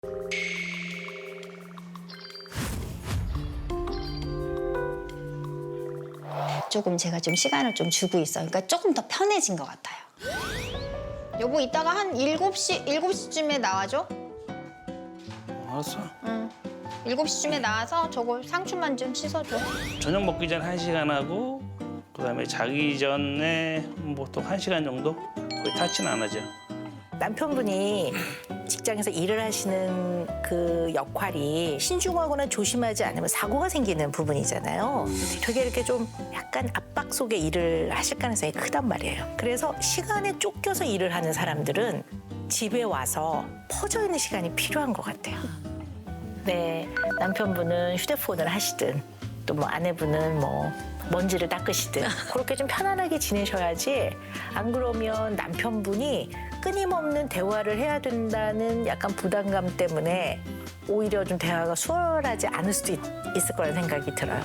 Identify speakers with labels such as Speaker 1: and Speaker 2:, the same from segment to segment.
Speaker 1: 조금 제가 좀 시간을 좀 주고 있어요. 그러니까 조금 더 편해진 것 같아요. 여보 이따가 한 7시쯤에 나와줘.
Speaker 2: 알았어.
Speaker 1: 응. 7시쯤에 나와서 저거 상추만 좀 씻어줘.
Speaker 2: 저녁 먹기 전 1시간 하고 그다음에 자기 전에 보통 1시간 정도? 거의 타치는 안 하죠.
Speaker 3: 남편분이 직장에서 일을 하시는 그 역할이 신중하거나 조심하지 않으면 사고가 생기는 부분이잖아요. 되게 이렇게 좀 약간 압박 속에 일을 하실 가능성이 크단 말이에요. 그래서 시간에 쫓겨서 일을 하는 사람들은 집에 와서 퍼져 있는 시간이 필요한 것 같아요. 네, 남편분은 휴대폰을 하시든 또 뭐 아내분은 뭐 먼지를 닦으시든 그렇게 좀 편안하게 지내셔야지 안 그러면 남편분이 끊임없는 대화를 해야 된다는 약간 부담감 때문에 오히려 좀 대화가 수월하지 않을 수도 있을 거라는 생각이 들어요.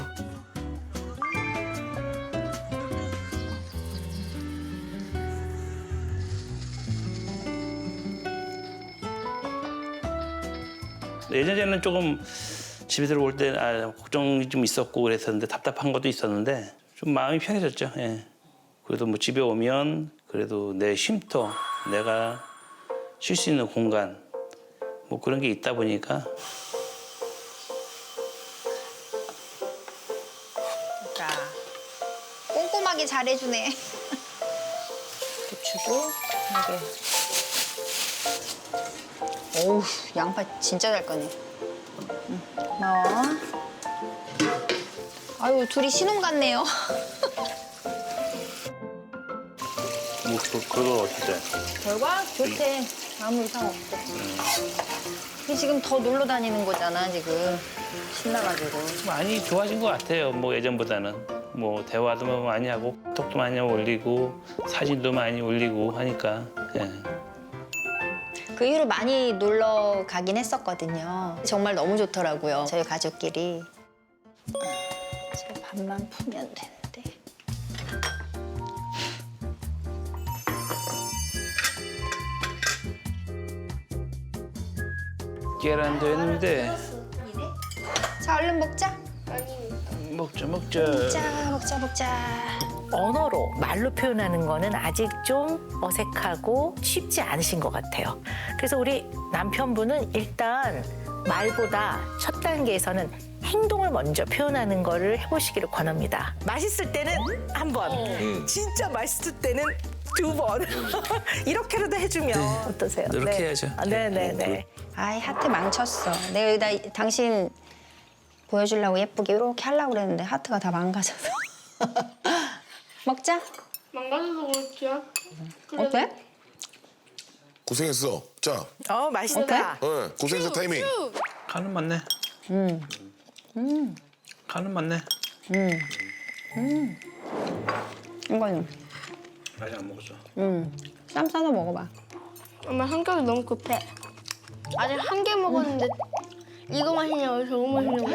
Speaker 2: 예전에는 조금 집에 들어올 때 걱정이 좀 있었고 그랬었는데 답답한 것도 있었는데 좀 마음이 편해졌죠. 예. 그래도 뭐 집에 오면 그래도 내 쉼터, 내가 쉴 수 있는 공간 뭐 그런 게 있다 보니까
Speaker 1: 자, 꼼꼼하게 잘해주네. 고추도 이게. 어우, 양파 진짜 잘 꺼네. 응, 고마워. 아유, 둘이 신혼 같네요.
Speaker 2: 뭐 그거 어때?
Speaker 1: 결과 좋대. 아무 이상 없대. 이 지금 더 놀러 다니는 거잖아, 지금. 신나가지고.
Speaker 2: 많이 좋아진 것 같아요. 뭐 예전보다는 뭐 대화도 많이 하고 톡도 많이 올리고 사진도 많이 올리고 하니까. 예.
Speaker 1: 그 이후로 많이 놀러 가긴 했었거든요. 정말 너무 좋더라고요, 저희 가족끼리. 제 밥만 푸면 되는데.
Speaker 2: 계란도 했는데
Speaker 1: 자, 얼른 먹자.
Speaker 2: 먹자.
Speaker 1: 먹자.
Speaker 3: 언어로 말로 표현하는 거는 아직 좀 어색하고 쉽지 않으신 것 같아요. 그래서 우리 남편분은 일단 말보다 첫 단계에서는 행동을 먼저 표현하는 거를 해보시기를 권합니다. 맛있을 때는 한 번, 진짜 맛있을 때는 두 번. 이렇게라도 해주면 어떠세요?
Speaker 2: 이렇게
Speaker 3: 네.
Speaker 2: 해야죠.
Speaker 3: 네네네.
Speaker 1: 아이, 하트 망쳤어. 내가 여기다 당신 보여주려고 예쁘게 이렇게 하려고 그랬는데 하트가 다 망가져서. 먹자.
Speaker 4: 망가져서 그렇지요.
Speaker 1: 어때?
Speaker 5: 고생했어. 자,
Speaker 3: 맛있다.
Speaker 5: 고생했어 타이밍.
Speaker 2: 간은 맞네. 간은 맞네.
Speaker 1: 이거는
Speaker 2: 아직 안 먹었어.
Speaker 1: 쌈 싸서 먹어봐.
Speaker 4: 엄마 성격이 너무 급해. 아직 한 개 먹었는데 이거 맛있냐고 저거 맛있냐고.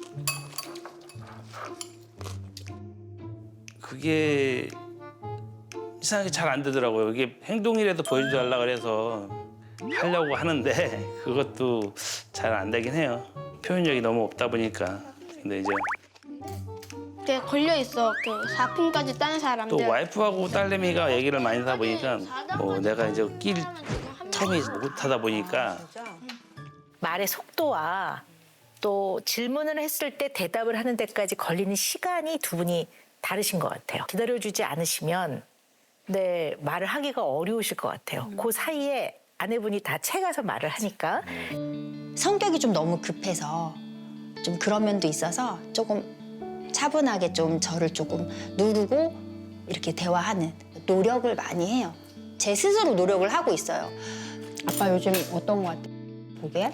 Speaker 2: 그게 이상하게 잘 안 되더라고요. 이게 행동이라도 보여달라 그래서 하려고 하는데 그것도 잘 안 되긴 해요. 표현력이 너무 없다 보니까. 근데 이제
Speaker 4: 되게 걸려 있어. 그 4품까지 따는 사람들.
Speaker 2: 또 와이프하고 딸내미가 얘기를 많이 하다 보니까 뭐 내가 이제 낄 텀이 못하다 보니까
Speaker 3: 말의 속도와 또 질문을 했을 때 대답을 하는 데까지 걸리는 시간이 두 분이 다르신 것 같아요. 기다려주지 않으시면 네, 말을 하기가 어려우실 것 같아요. 그 사이에 아내분이 다 채가서 말을 하니까
Speaker 1: 성격이 좀 너무 급해서 좀 그런 면도 있어서 조금 차분하게 좀 저를 조금 누르고 이렇게 대화하는 노력을 많이 해요. 제 스스로 노력을 하고 있어요. 아빠 요즘 어떤 거 같아? 보게?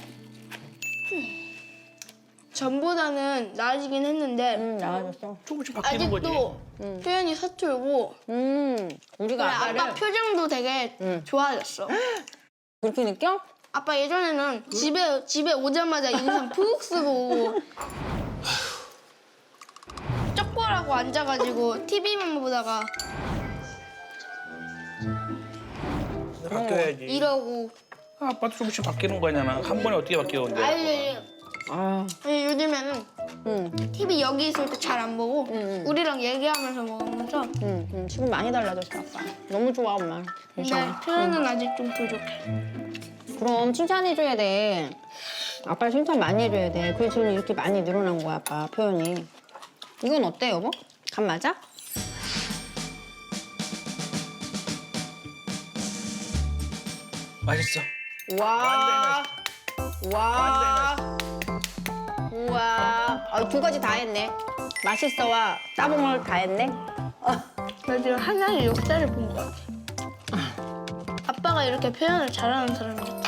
Speaker 4: 전보다는 나아지긴 했는데
Speaker 1: 나아졌어.
Speaker 2: 조금씩 바뀌는 거지.
Speaker 4: 아직도 표현이 서툴고
Speaker 1: 우리가 아빠를
Speaker 4: 아빠 표정도 되게 좋아졌어.
Speaker 1: 그렇게 느껴?
Speaker 4: 아빠 예전에는 집에 오자마자 인상 푹 쓰고 쪽벌하고 앉아가지고 TV만 보다가
Speaker 2: 바뀌어야지.
Speaker 4: 이러고
Speaker 2: 아빠도 조금씩 바뀌는 거잖아. 한 번에 어떻게 바뀌어 근데?
Speaker 4: 아니
Speaker 1: 아,
Speaker 4: 요즘에는 TV 여기 있을 때 잘 안 보고 우리랑 얘기하면서 먹으면서
Speaker 1: 지금 많이 달라졌어, 아빠. 너무 좋아, 엄마.
Speaker 4: 근데 표현은 아직 좀 부족해.
Speaker 1: 그럼 칭찬해줘야 돼. 아빠 칭찬 많이 해줘야 돼. 그래서 지금 이렇게 많이 늘어난 거야, 아빠 표현이. 이건 어때, 여보? 간 맞아?
Speaker 2: 맛있어.
Speaker 1: 와. 와. 우와. 아, 두 가지 다 했네. 맛있어와 따봉을 다 했네.
Speaker 4: 나 지금 하나의 역사를 본 것 같아. 아빠가 이렇게 표현을 잘하는 사람이 같아.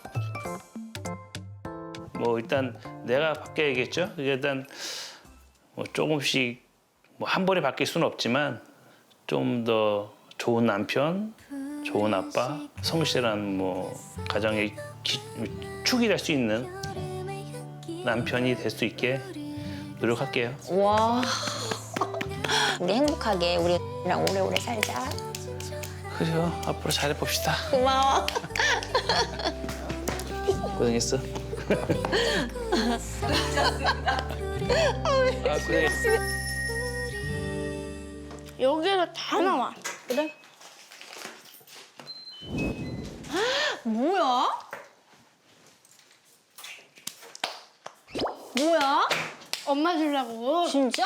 Speaker 2: 뭐 일단 내가 바뀌어야겠죠. 이게 일단 뭐 조금씩 뭐 한 번에 바뀔 수는 없지만 좀 더 좋은 남편, 좋은 아빠, 성실한 뭐 가정의 축이 될 수 있는 남편이 될 수 있게 노력할게요.
Speaker 1: 와. 우리 행복하게 우리랑 오래오래 살자.
Speaker 2: 그래요. 앞으로 잘해봅시다.
Speaker 1: 고마워.
Speaker 2: 고생했어. 아, 그래.
Speaker 4: 여기에서 다 나와.
Speaker 1: 그래? 뭐야? 뭐야?
Speaker 4: 엄마 주려고.
Speaker 1: 진짜?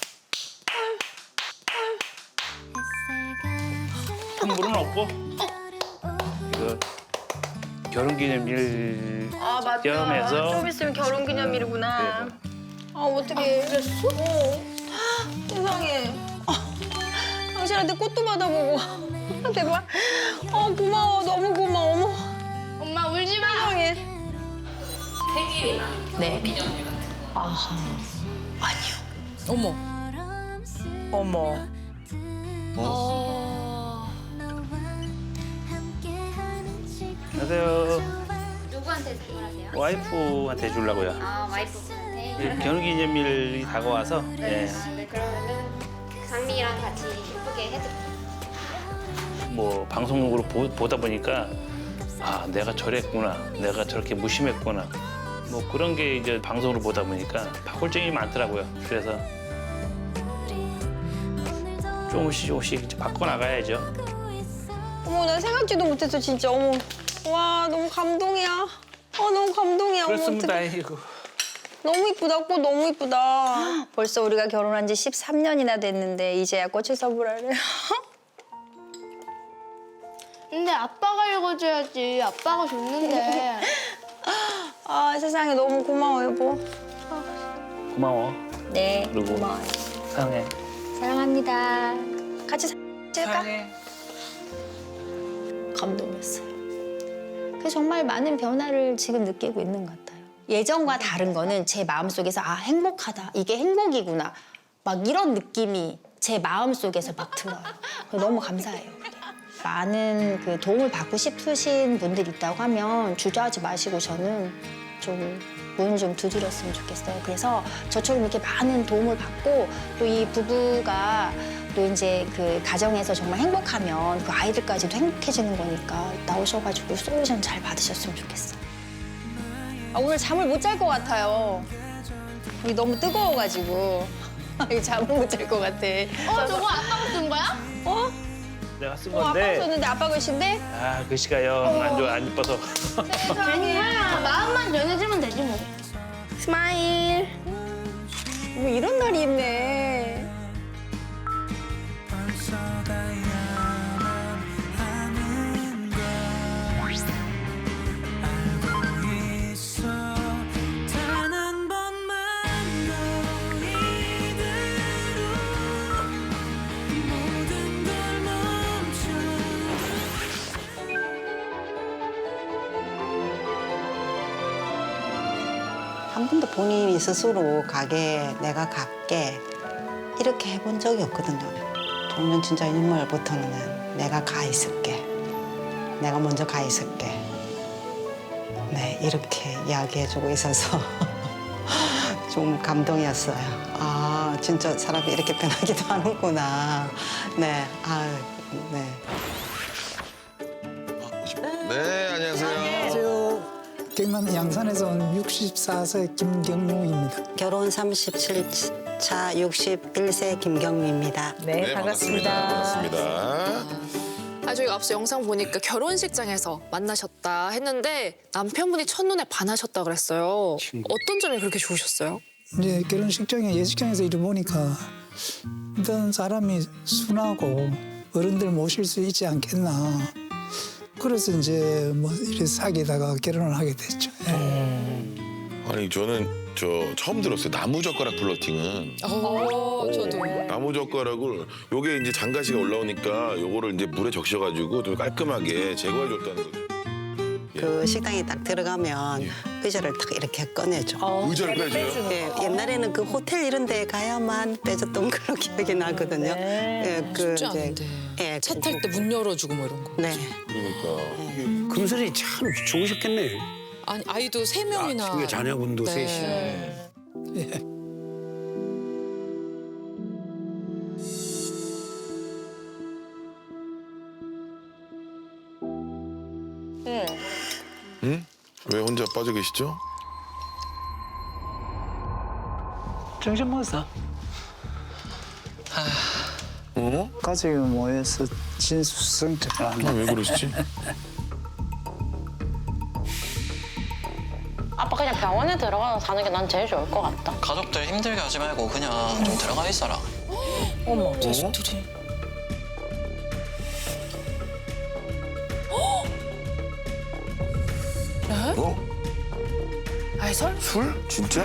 Speaker 2: 선물은 없고 이거 결혼기념일
Speaker 1: 아, 맞다.
Speaker 2: 겸해서
Speaker 1: 좀 있으면 결혼기념일이구나. 아, 어떻게 그랬어? 세상에. 당신한테 꽃도 받아보고. 대박. 고마워. 너무 고마워. 어머.
Speaker 4: 엄마 울지 마.
Speaker 1: 세상에.
Speaker 3: 네. 어머. 어머.
Speaker 2: 안녕하세요.
Speaker 5: 누구한테 선물하세요?
Speaker 2: 와이프한테 주려고요.
Speaker 5: 아 와이프분한테?
Speaker 2: 결혼기념일이 다가와서 예.
Speaker 5: 네 그러면은 장미랑 같이 예쁘게 해드릴게요.
Speaker 2: 뭐 방송국으로 보다 보니까 아 내가 저랬구나, 내가 저렇게 무심했구나. 뭐 그런 게 이제 방송으로 보다 보니까 바꿀점이 많더라고요. 그래서 조금씩 이제 바꿔 나가야죠.
Speaker 1: 어머, 나 생각지도 못했어, 진짜. 어머. 와, 너무 감동이야. 너무 감동이야. 어머,
Speaker 2: 그렇습니다.
Speaker 1: 어떡해.
Speaker 2: 아이고.
Speaker 1: 너무 이쁘다. 꽃 너무 이쁘다. 벌써 우리가 결혼한 지 13년이나 됐는데 이제야 꽃을 선물하래.
Speaker 4: 근데 아빠가 읽어줘야지. 아빠가 줬는데.
Speaker 1: 아, 세상에 너무 고마워, 여보.
Speaker 2: 고마워.
Speaker 1: 네,
Speaker 2: 그리고
Speaker 1: 고마워요.
Speaker 2: 사랑해.
Speaker 1: 사랑합니다. 같이 찍을까?
Speaker 2: 사랑해.
Speaker 1: 감동이었어요. 그래서 정말 많은 변화를 지금 느끼고 있는 것 같아요. 예전과 다른 거는 제 마음속에서 아, 행복하다. 이게 행복이구나. 막 이런 느낌이 제 마음속에서 막 들어요. 너무 감사해요. 많은 그 도움을 받고 싶으신 분들 있다고 하면 주저하지 마시고 저는 좀 문 좀 두드렸으면 좋겠어요. 그래서 저처럼 이렇게 많은 도움을 받고 또 이 부부가 또 이제 그 가정에서 정말 행복하면 그 아이들까지도 행복해지는 거니까 나오셔가지고 솔루션 잘 받으셨으면 좋겠어요. 아, 오늘 잠을 못 잘 것 같아요. 여기 너무 뜨거워가지고 잠을 못 잘 것 같아.
Speaker 4: 저거 아빠가 쓴 거야?
Speaker 1: 어?
Speaker 2: 내가 쓴
Speaker 1: 아빠가
Speaker 2: 건데
Speaker 1: 썼는데 아빠 글씨인데?
Speaker 2: 아 글씨가 영 안 좋아, 안 이뻐서.
Speaker 4: 괜찮아. 마음만 전해주면 되지 뭐. 스마일.
Speaker 1: 뭐 이런 날이 있네.
Speaker 6: 한 번도 본인이 스스로 가게, 내가 갈게 이렇게 해본 적이 없거든요. 저는 진짜 인물부터는 내가 가 있을게. 내가 먼저 가 있을게. 네, 이렇게 이야기해주고 있어서 좀 감동이었어요. 아, 진짜 사람이 이렇게 변하기도 하는구나. 네, 아, 네.
Speaker 7: 네, 안녕하세요. 경남 양산에서 온 64세 김경룡입니다.
Speaker 6: 결혼 37차 61세 김경미입니다.
Speaker 3: 네, 반갑습니다.
Speaker 8: 반갑습니다.
Speaker 9: 저희가 앞서 영상 보니까 결혼식장에서 만나셨다 했는데 남편분이 첫눈에 반하셨다 그랬어요. 어떤 점이 그렇게 좋으셨어요?
Speaker 7: 이제 결혼식장에 예식장에서 이래 보니까 일단 사람이 순하고 어른들 모실 수 있지 않겠나. 그래서 이제 뭐 이렇게 사귀다가 결혼을 하게 됐죠.
Speaker 8: 아니 저는 처음 들었어요. 나무젓가락 플러팅은.
Speaker 9: 저도.
Speaker 8: 나무젓가락을 요게 이제 장가시가 올라오니까 요거를 이제 물에 적셔가지고 좀 깔끔하게 제거해줬다는 거죠.
Speaker 6: 그 식당에 딱 들어가면 의자를 딱 이렇게 꺼내줘.
Speaker 8: 의자를 빼줘요?
Speaker 6: 예, 옛날에는 그 호텔 이런 데 가야만 빼줬던 그런 기억이 나거든요. 예,
Speaker 10: 쉽지 않은데.
Speaker 6: 예,
Speaker 10: 차 탈 때 문 열어주고 뭐 이런 거.
Speaker 6: 네.
Speaker 8: 그러니까.
Speaker 11: 금슬이 참 좋으셨겠네요.
Speaker 10: 아니 아이도 3명이나.
Speaker 11: 중에 자녀분도 셋이.
Speaker 7: 예.
Speaker 8: 응? 왜 혼자 빠져 계시죠?
Speaker 7: 정신 먹었어.
Speaker 8: 어?
Speaker 7: 가족이 모여서 진수성찬을 한다.
Speaker 8: 왜 그러시지?
Speaker 12: 아빠 그냥 병원에 들어가서 사는 게 난 제일 좋을 것 같다.
Speaker 13: 가족들 힘들게 하지 말고 그냥 좀 들어가 있어라.
Speaker 10: 어머 자식들이.
Speaker 8: 어?
Speaker 9: 아이 설?
Speaker 8: 술? 진짜?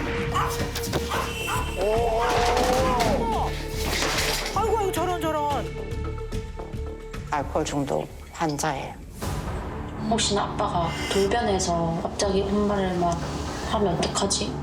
Speaker 3: 아이고 저런.
Speaker 6: 알코올 중독 환자예요.
Speaker 12: 혹시나 아빠가 돌변해서 갑자기 엄마를 막 하면 어떡하지?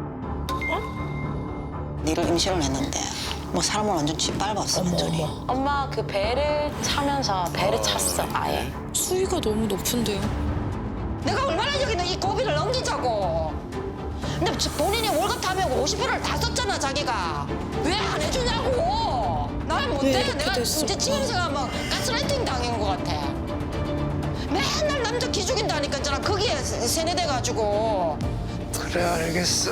Speaker 6: 니를 임신을 했는데 뭐 사람을 완전 짓밟았어 완전히.
Speaker 12: 엄마 그 배를 차면서 배를 찼어 아예.
Speaker 10: 수위가 너무 높은데요.
Speaker 1: 내가 얼마나 여기는 이 고비를 넘기자고. 근데 본인이 월급 타면 50%를 다 썼잖아 자기가. 왜 안 해주냐고. 나 못해. 내가 이제 집에서 막 가스라이팅 당한 것 같아. 맨날 남자 기죽인다니까 있잖아. 거기에 세뇌돼가지고.
Speaker 7: 그래 알겠어.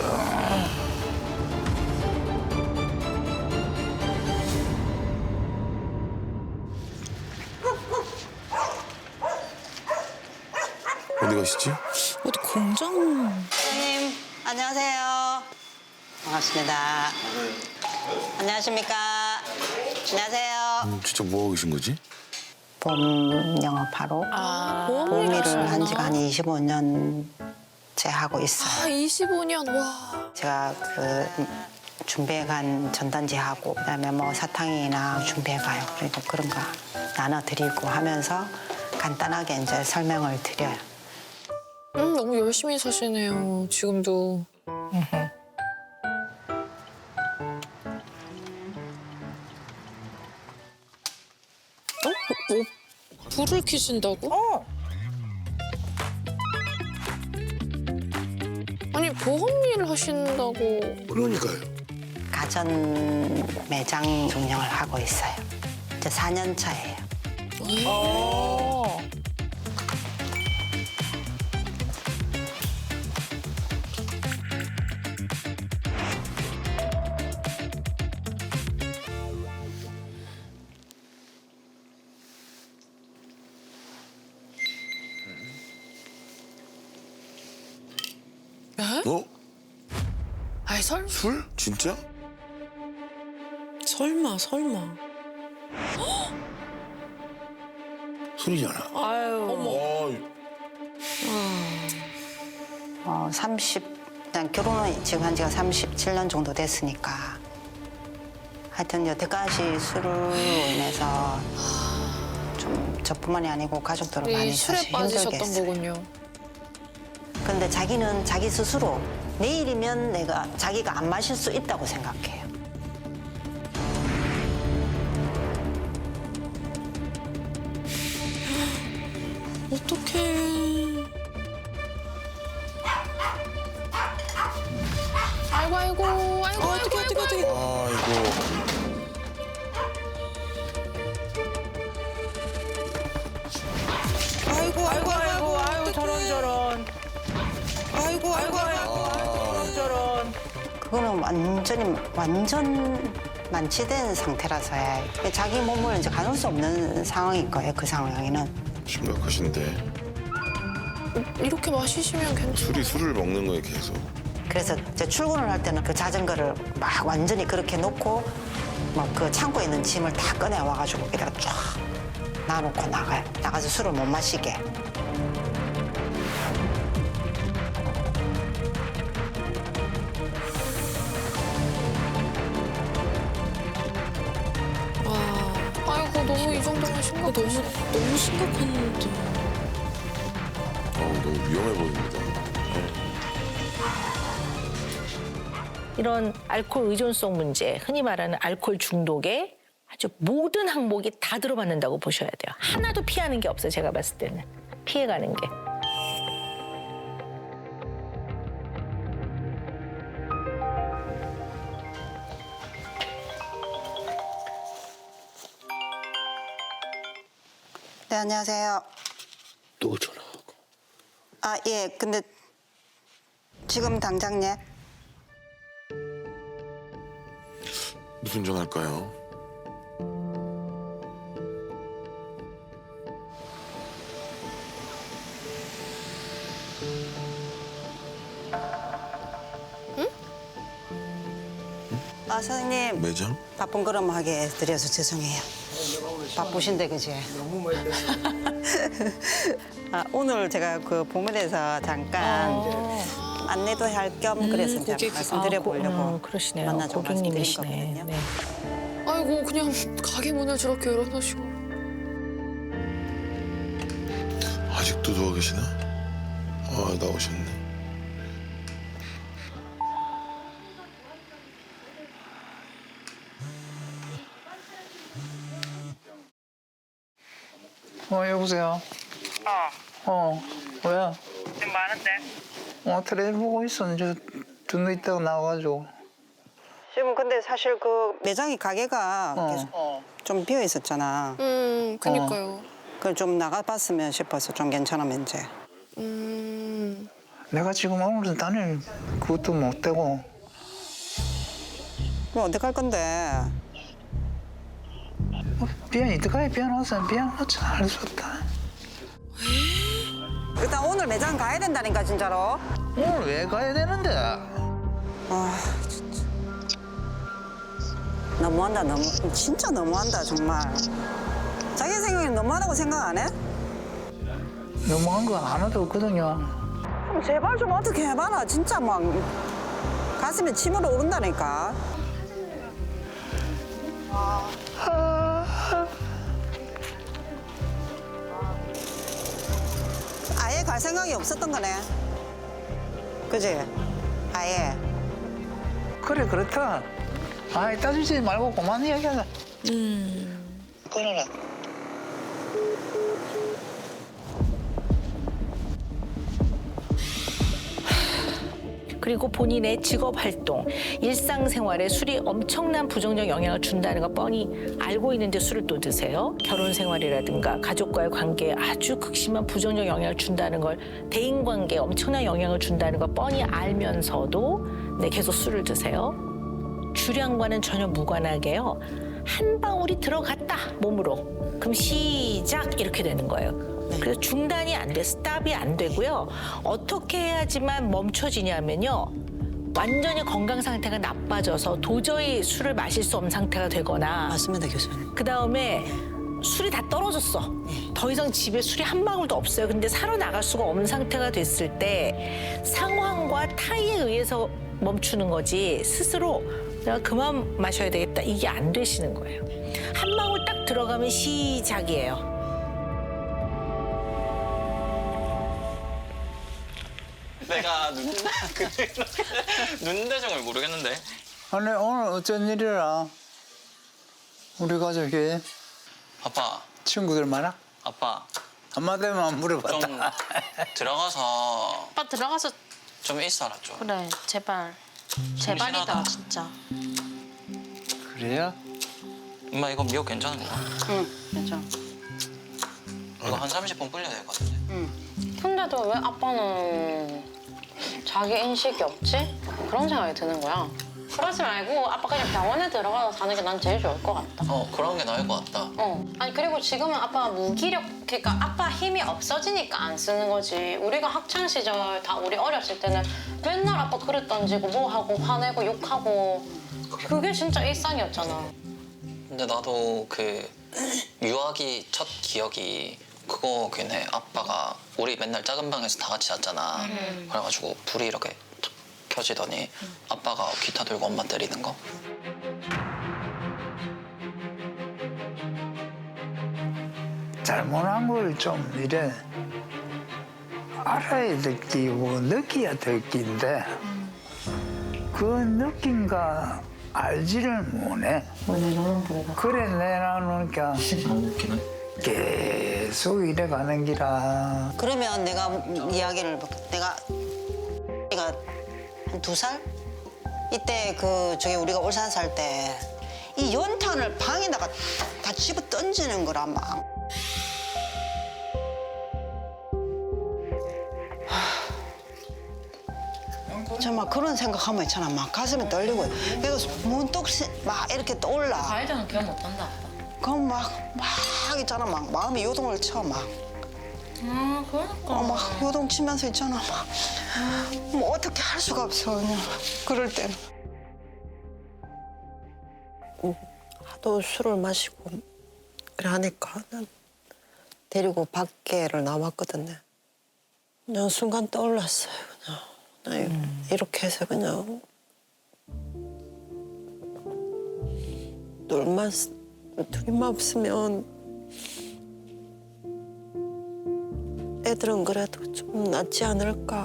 Speaker 8: 어디 가시지?
Speaker 10: 어디 공장.
Speaker 6: 선생님 안녕하세요. 반갑습니다. 안녕하십니까. 안녕하세요.
Speaker 8: 진짜 뭐 하고 계신 거지?
Speaker 6: 봄 영업하러 봄일을 한 지가 한 25년째 하고 있어요.
Speaker 9: 25년 와.
Speaker 6: 제가 그 준비해간 전단지하고 그다음에 뭐 사탕이나 준비해가요. 그리고 그런 거 나눠드리고 하면서 간단하게 이제 설명을 드려요.
Speaker 9: 너무 열심히 사시네요. 지금도.
Speaker 10: 불을 켜신다고?
Speaker 9: 아니 보험 일을 하신다고.
Speaker 8: 그러니까요.
Speaker 6: 가전 매장 운영을 하고 있어요. 이제 4년 차예요.
Speaker 8: 어?
Speaker 9: 아이 설?
Speaker 8: 술? 진짜?
Speaker 10: 설마.
Speaker 8: 술이잖아.
Speaker 10: 어머.
Speaker 6: 그냥 결혼은 지금 한 지가 37년 정도 됐으니까 하여튼 여태까지 술로 인해서 좀 저뿐만이 아니고 가족들은 많이
Speaker 9: 술에
Speaker 6: 사실
Speaker 9: 빠지셨던
Speaker 6: 힘들게 했어요.
Speaker 9: 거군요.
Speaker 6: 근데 자기는 자기 스스로 내일이면 자기가 안 마실 수 있다고 생각해요.
Speaker 10: 어떡해.
Speaker 9: 아이고.
Speaker 10: 어떡해.
Speaker 8: 아이고.
Speaker 3: 아이고 저런.
Speaker 6: 그거는 완전 만취된 상태라서 자기 몸을 이제 가눌 수 없는 상황일 거예요. 그 상황에는.
Speaker 8: 심각하신데.
Speaker 9: 이렇게 마시시면 괜찮아.
Speaker 8: 술을 먹는 거예요, 계속.
Speaker 6: 그래서 이제 출근을 할 때는 그 자전거를 막 완전히 그렇게 놓고 막 그 창고에 있는 짐을 다 꺼내 와가지고 여기다가 쫙 놔놓고 나가요. 나가서 술을 못 마시게.
Speaker 9: 아이고 너무 이 정도면 심각해.
Speaker 10: 너무 심각한데.
Speaker 8: 너무 위험해 보입니다.
Speaker 3: 이런 알코올 의존성 문제, 흔히 말하는 알코올 중독에 아주 모든 항목이 다 들어맞는다고 보셔야 돼요. 하나도 피하는 게 없어요. 제가 봤을 때는. 피해가는 게.
Speaker 6: 네, 안녕하세요.
Speaker 11: 또 전화하고.
Speaker 6: 아, 예. 근데 지금 당장 예.
Speaker 8: 무슨 전화할까요?
Speaker 6: 아, 사장님.
Speaker 8: 매장?
Speaker 6: 바쁜 걸음 하게 해드려서 죄송해요. 바쁘신데, 그지?
Speaker 7: 너무 많이
Speaker 6: 아, 오늘 제가 그 봉은에서 잠깐 안내도 할 겸 그래서 이제
Speaker 9: 고객.
Speaker 6: 말씀드려보려고
Speaker 3: 그러시네요.
Speaker 6: 만나자고 말씀드린
Speaker 3: 고객님이시네.
Speaker 6: 거거든요.
Speaker 3: 네.
Speaker 9: 아이고 그냥 가게 문을 저렇게 열어놓으시고.
Speaker 8: 아직도 누워 계시나? 아, 나오셨네.
Speaker 7: 여보세요? 왜?
Speaker 6: 지금 많은데?
Speaker 7: 텔레비전 보고 있어. 이제 좀 있다가 나와가지고.
Speaker 6: 지금 근데 사실 그 매장이 가게가 계속 좀 비어 있었잖아.
Speaker 9: 그니까요.
Speaker 6: 그걸 좀 나가봤으면 싶어서 좀 괜찮으면 이제.
Speaker 7: 내가 지금 오늘은 다닐 그것도 못 되고.
Speaker 6: 그럼 어떡할 건데?
Speaker 7: 비안 이때까지 비안 왔으면 비안 놓지 않을 수 없다.
Speaker 6: 일단 오늘 매장 가야 된다니까 진짜로.
Speaker 7: 오늘 왜 가야 되는데?
Speaker 6: 아 진짜. 너무한다 너무. 진짜 너무한다 정말. 자기 생각이 너무하다고 생각 안 해?
Speaker 7: 너무한 거 하나도 없거든요.
Speaker 6: 그럼 제발 좀 어떻게 해봐라. 진짜 막 가슴에 침으로 오른다니까. 아예 갈 생각이 없었던 거네. 그지? 아예.
Speaker 7: 그래 그렇다. 아이 따지지 말고 그만 이야기하자. 끊어라.
Speaker 3: 그리고 본인의 직업 활동, 일상생활에 술이 엄청난 부정적 영향을 준다는 거 뻔히 알고 있는데 술을 또 드세요. 결혼 생활이라든가 가족과의 관계에 아주 극심한 부정적 영향을 준다는 걸, 대인관계에 엄청난 영향을 준다는 걸 뻔히 알면서도 계속 술을 드세요. 주량과는 전혀 무관하게요. 한 방울이 들어갔다, 몸으로. 그럼 시작 이렇게 되는 거예요. 그래서 중단이 안 돼, 스탑이 안 되고요. 어떻게 해야지만 멈춰지냐면요. 완전히 건강 상태가 나빠져서 도저히 술을 마실 수 없는 상태가 되거나.
Speaker 6: 맞습니다, 교수님.
Speaker 3: 그다음에 술이 다 떨어졌어. 더 이상 집에 술이 한 방울도 없어요. 근데 사러 나갈 수가 없는 상태가 됐을 때 상황과 타이에 의해서 멈추는 거지 스스로 내가 그만 마셔야 되겠다 이게 안 되시는 거예요. 한 방울 딱 들어가면 시작이에요.
Speaker 13: 내가 눈대중을 모르겠는데.
Speaker 7: 아니 오늘 어쩐 일이라? 우리 가족이
Speaker 13: 아빠,
Speaker 7: 친구들 많아?
Speaker 13: 아빠.
Speaker 7: 한마디만 물어봤다.
Speaker 13: 좀 들어가서
Speaker 12: 오빠 들어가서
Speaker 13: 좀 있어라 좀.
Speaker 12: 그래 제발. 제발이다
Speaker 13: 심심하다.
Speaker 12: 진짜.
Speaker 7: 그래요?
Speaker 13: 엄마 이거 미역 괜찮은 거야?
Speaker 6: 응, 괜찮아.
Speaker 13: 이거 한 30분 불려야 될 것 같은데.
Speaker 12: 근데도 왜 아빠는 자기 인식이 없지? 그런 생각이 드는 거야. 그러지 말고 아빠 그냥 병원에 들어가서 사는 게 난 제일 좋을 것 같다.
Speaker 13: 그런 게 나을 것 같다.
Speaker 12: 아니 그리고 지금은 아빠 무기력, 그러니까 아빠 힘이 없어지니까 안 쓰는 거지. 우리가 학창 시절 다 우리 어렸을 때는 맨날 아빠 그릇 던지고 뭐 하고 화내고 욕하고 그게 진짜 일상이었잖아.
Speaker 13: 근데 나도 그 유아기 첫 기억이 그거긴 해. 아빠가 우리 맨날 작은 방에서 다 같이 잤잖아. 그래가지고 불이 이렇게 탁 켜지더니 아빠가 기타 들고 엄마 때리는 거.
Speaker 7: 잘못한 걸 좀 이래 알아야 될 끼고 느껴야 될 끼인데 그 느낀가 알지를 못해. 그래 내놔놓으니까 계속 이래 가는 기라.
Speaker 6: 그러면 내가 이야기를 내가 한 2살 이때 그 저기 우리가 울산 살 때 이 연탄을 방에다가 다 집어 던지는 거라 막. 정말 그런 생각하면 있잖아. 막 가슴이 떨리고. 그래서 문득 막 이렇게 떠올라.
Speaker 12: 가해자는 기억 못한다 아빠.
Speaker 6: 그럼 막 있잖아. 막 마음이 요동을 쳐 막.
Speaker 12: 그러니까.
Speaker 6: 막 요동치면서 있잖아. 막. 뭐 어떻게 할 수가 없어 그냥. 그럴 때는. 하도 술을 마시고 그래 하니까 난 데리고 밖에를 나왔거든요. 그냥 순간 떠올랐어요. 그냥 이렇게 해서 그냥 둘이만 없으면 애들은 그래도 좀 낫지 않을까.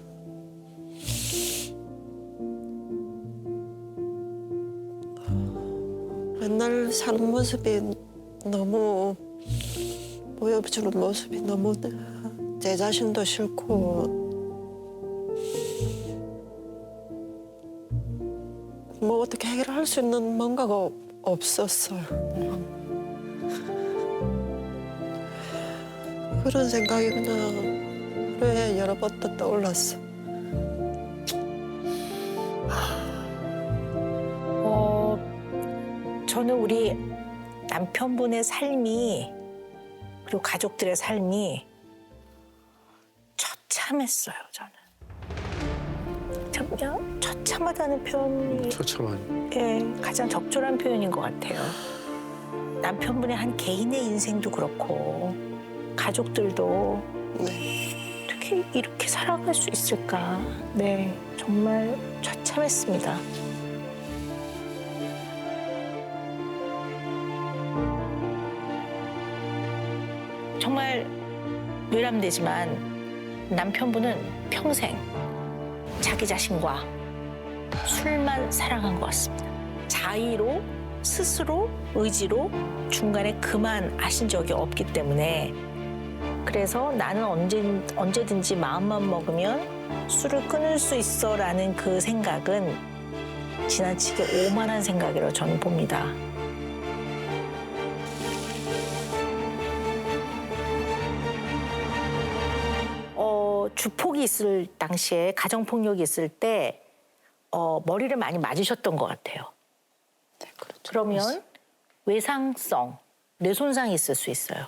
Speaker 6: 맨날 사는 모습이 너무 보여주는 모습이 너무 제 자신도 싫고 뭐 어떻게 해결할 수 있는 뭔가가 없었어요. 그런 생각이 그냥 하루에 여러 번 또 떠올랐어.
Speaker 3: 저는 우리 남편분의 삶이 그리고 가족들의 삶이 처참했어요. 저는 그냥 처참하다는 표현이
Speaker 11: 처참한.
Speaker 3: 가장 적절한 표현인 것 같아요. 남편분의 한 개인의 인생도 그렇고 가족들도 어떻게 이렇게 살아갈 수 있을까? 네, 정말 처참했습니다. 정말 외람되지만 남편분은 평생 자기 자신과 술만 사랑한 것 같습니다. 자의로, 스스로, 의지로 중간에 그만하신 적이 없기 때문에 그래서 나는 언제든지 마음만 먹으면 술을 끊을 수 있어라는 그 생각은 지나치게 오만한 생각이라고 저는 봅니다. 주폭이 있을 당시에 가정폭력이 있을 때 머리를 많이 맞으셨던 것 같아요.
Speaker 6: 네, 그렇죠.
Speaker 3: 그러면 외상성 뇌손상이 있을 수 있어요.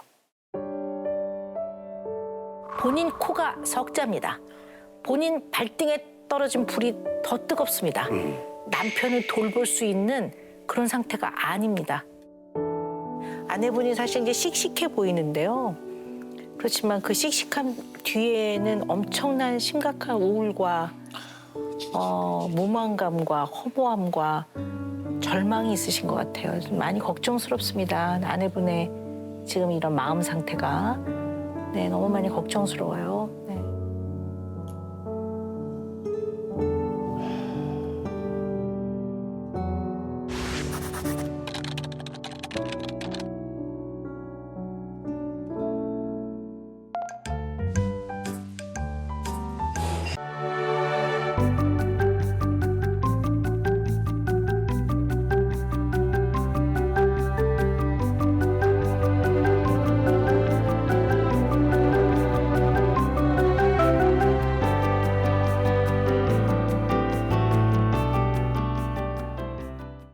Speaker 3: 본인 코가 석자입니다. 본인 발등에 떨어진 불이 더 뜨겁습니다. 남편을 돌볼 수 있는 그런 상태가 아닙니다. 아내분이 사실 이제 씩씩해 보이는데요. 그렇지만 그 씩씩한 뒤에는 엄청난 심각한 우울과 무망감과 허무함과 절망이 있으신 것 같아요. 많이 걱정스럽습니다. 아내분의 지금 이런 마음 상태가 너무 많이 걱정스러워요.